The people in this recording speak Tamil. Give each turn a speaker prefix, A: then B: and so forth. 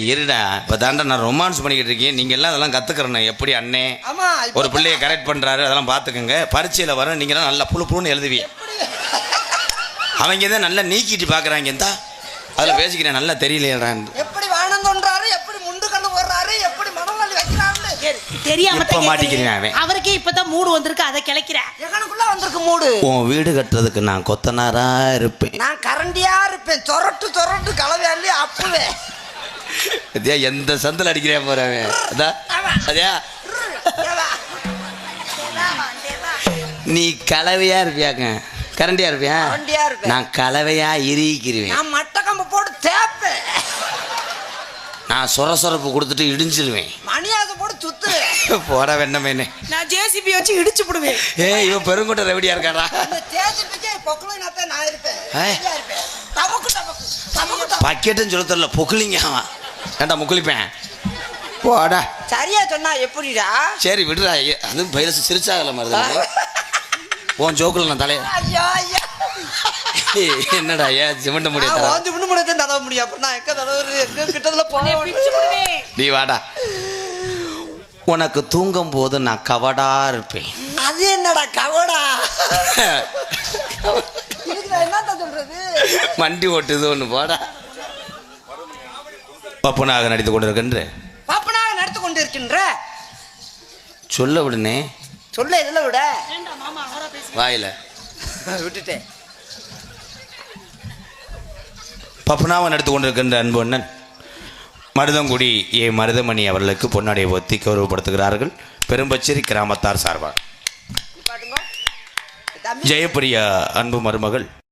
A: இருடா இப்போ தாண்டா நான் ரொமான்ஸ் பண்ணிக்கிட்டு இருக்கேன். நீங்கள் எல்லாம் அதெல்லாம் கற்றுக்கிறேன். எப்படி அண்ணே ஒரு பிள்ளையை கரெக்ட் பண்ணுறாரு அதெல்லாம் பார்த்துக்கோங்க. பரீட்சையில் வர நீங்களாம் நல்லா புழு புழுன்னு எழுதுவீங்க. அவங்க தான் நல்லா நீக்கிட்டு பார்க்குறாங்க. எந்தா அதில் பேசிக்கிறேன் நல்லா தெரியலையான்.
B: எப்படி வானந்தோன்றாரு, எப்படி முண்டு கண்டு போடுறாரு, எப்படி மனவலி வைக்கிறாருன்னு
C: தெரியாம
A: மாட்டிக்கிறேன். அவன்
C: அவருக்கே இப்பதான் மூடு வந்திருக்கு. அதை கிளைக்கிறேன்.
B: எகனுக்குள்ள வந்திருக்கு மூடு.
A: உன் வீடு கட்டுறதுக்கு நான் கொத்தனாரா இருப்பேன்.
B: நான் கரண்டியா இருப்பேன். சொரட்டு சொரட்டு கலவையாலே அப்புவேன்.
A: அதே எந்த சந்தில் அடிக்கிறேன் போறவன். அதான் அதே நீ கலவையா இருப்பியாங்க. கரண்டியா இருப்பியா? நான் கலவையா இறுக்கிடுவேன்.
B: நான் மட்ட கம்பு போட்டு தேப்பேன்.
A: நான் சொரசொரப்பு கொடுத்துட்டு இடிஞ்சிருவேன்.
B: மணியாத போட்டு சுத்துவேன்.
A: போட வேண்டாமே.
C: நான் ஜேசிபி வச்சு இடிச்சு போடுவேன்.
A: இவன் பெருங்கோட்டை ரெவடியா இருக்காடா. பக்கெட்டுன்னு சொல்ல தெரியல. பொக்குலிங்க அவன். ஏண்டா முக்குளிப்பேன் போடா.
B: சரியா சொன்னா எப்படிடா?
A: சரி விடுறா. அதுவும் பயிலசு சிரிச்சாகல மாதிரி உன் ஜோக்குல நான் தலைய. என்னடா ஏன் சிமெண்ட் முடியும். நீ வாடா. உனக்கு தூங்கும் போது நான் கவடா இருப்பேன்.
B: அது என்னடா கவடா? என்ன சொல்றது?
A: வண்டி ஓட்டுது ஒன்று போடா. பப்புனாக நடித்து கொண்டிருக்கின்ற
B: பாப்பனாக நடத்து கொண்டு இருக்கின்ற
A: சொல்ல விடுனே.
B: சொல்ல இதில் விட
A: வாயில
B: விட்டுட்டேன்.
A: பப்புனாவை நடத்து கொண்டிருக்கின்ற அன்பு அண்ணன் மருதங்குடி மருதமணி அவர்களுக்கு பொன்னாடியை ஒத்தி கௌரவப்படுத்துகிறார்கள் பெரும்பச்சேரி கிராமத்தார் சார்பாக. ஜெயப்பிரியா அன்பு மருமகள்